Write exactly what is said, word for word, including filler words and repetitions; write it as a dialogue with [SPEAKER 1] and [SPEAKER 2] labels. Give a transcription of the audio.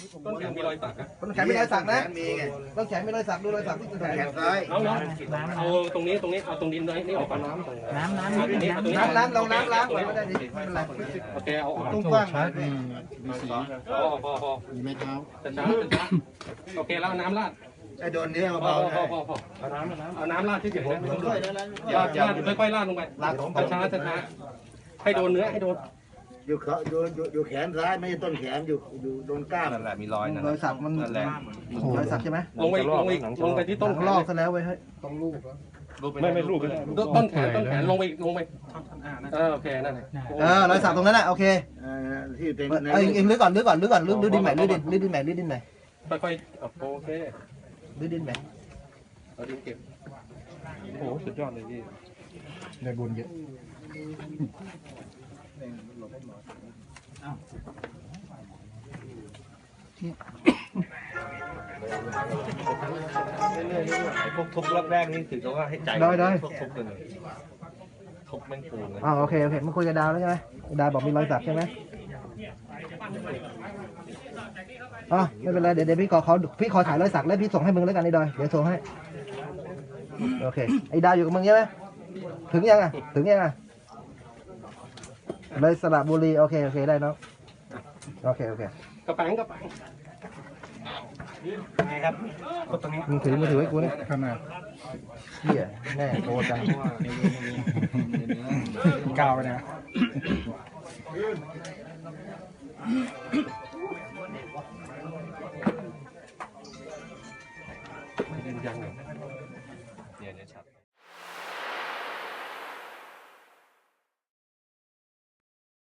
[SPEAKER 1] ต้นแขนมีรอยสักนะ
[SPEAKER 2] ต้นแขนมีรอยสักนะ
[SPEAKER 3] มีไง
[SPEAKER 2] ต้นแขนมีรอยสักดูรอยสักที่ต้นแขน
[SPEAKER 3] แขนซ้าย
[SPEAKER 1] น้องน้องเอาตรงนี้ตรงนี้เอาตรงดินนี่ออกก่อนน้ำ
[SPEAKER 4] น้ำน้ำ
[SPEAKER 1] เอาตรงนี้เอาตรงนี้
[SPEAKER 2] น้ำน้ำเราน้ำล้างไว้ไม่ได้ดิไม่เป็นไร
[SPEAKER 1] โอเคเอาออก
[SPEAKER 3] ตุ้งกว้าง
[SPEAKER 5] ชัดมีสี
[SPEAKER 1] พอพอพอ
[SPEAKER 5] มีไม้เท้า
[SPEAKER 1] จะช้าจะช้าโอเคแล้วน้ำราด
[SPEAKER 3] ไอ้โดนเนื้อ
[SPEAKER 1] พอ
[SPEAKER 3] เบา
[SPEAKER 1] พอ
[SPEAKER 3] ๆ
[SPEAKER 1] พอพอเอาน้ำเอาน้ำราดที่เฉยๆ
[SPEAKER 3] ค่อยๆแล้ว
[SPEAKER 1] ลาดลาดค่อยๆลาดลงไปช้าช้าช้าให้โดนเนื้อให้โดน
[SPEAKER 3] อยู่เขาอยู่อยู่อยู่แขนซ้ายไม่ใช่ต้นแขนอยู่อยู่โดนกล้าม
[SPEAKER 6] นั่นแหละมีรอยนั่น
[SPEAKER 2] รอยสักมัน
[SPEAKER 6] นั่นแหละ
[SPEAKER 2] รอยสักใช่ไหม
[SPEAKER 1] ลงไปลงไปลงไปที่
[SPEAKER 2] ต้
[SPEAKER 1] ต้
[SPEAKER 2] น
[SPEAKER 1] นแข
[SPEAKER 2] ลอก
[SPEAKER 1] น
[SPEAKER 2] ซะแล้วเว้ยเฮ้ย
[SPEAKER 1] ไม่ไม่รูปต้นแขนต้นแขนลงไปลงไปเออโอเคนั่นแหละ
[SPEAKER 2] เออรอยสักตรงนั้นแหละโอเค
[SPEAKER 3] เอ่อที่เป็น
[SPEAKER 2] เออเองลื้อก่อนลื้อก่อนลื้อก่อนลื้อลื้อดินใหม่ลื้อดินลื้อดินใหม่ลื้อดินใหม่
[SPEAKER 1] ค่อยๆโอเค
[SPEAKER 2] ลื้อดินใหม่
[SPEAKER 1] เอาดินเก็บโอ้โหสุดยอดเลยพี่
[SPEAKER 5] ได้บุญเยอะ
[SPEAKER 6] พวกทุบรอบแรกนี่ถือว่าให้ใจ
[SPEAKER 2] ได้ได้
[SPEAKER 6] พวกทุบเลยทุบแม่งปูนเลย
[SPEAKER 2] อ๋อโอเคโอเคมึงคุยกับดาวแล้วใช่ไหมดาวบอกมีรอยสักใช่ไหมอ๋อไม่เป็นไรเดี๋ยวเดี๋ยวพี่ขอเขาพี่ขอถ่ายรอยสักแล้วพี่ส่งให้มึงแล้วกันไอ้ดอยเดี๋ยวส่งให้โอเคไอ้ดาวอยู่กับมึงใช่ไหมถึงยังอ่ะถึงยังอ่ะเลยสระบุรีโอเคโอเคได้เนาะโอเคโอเค
[SPEAKER 1] กระแปงกระแปง
[SPEAKER 6] ไงครับ
[SPEAKER 2] มึงถือมือถือไว้กูเนี่ย
[SPEAKER 5] ขนาด
[SPEAKER 2] เหี้ยแน่โตจัง
[SPEAKER 5] กาวไปนะ
[SPEAKER 1] ยัง
[SPEAKER 6] เดี๋ยวเดี๋ยวชัด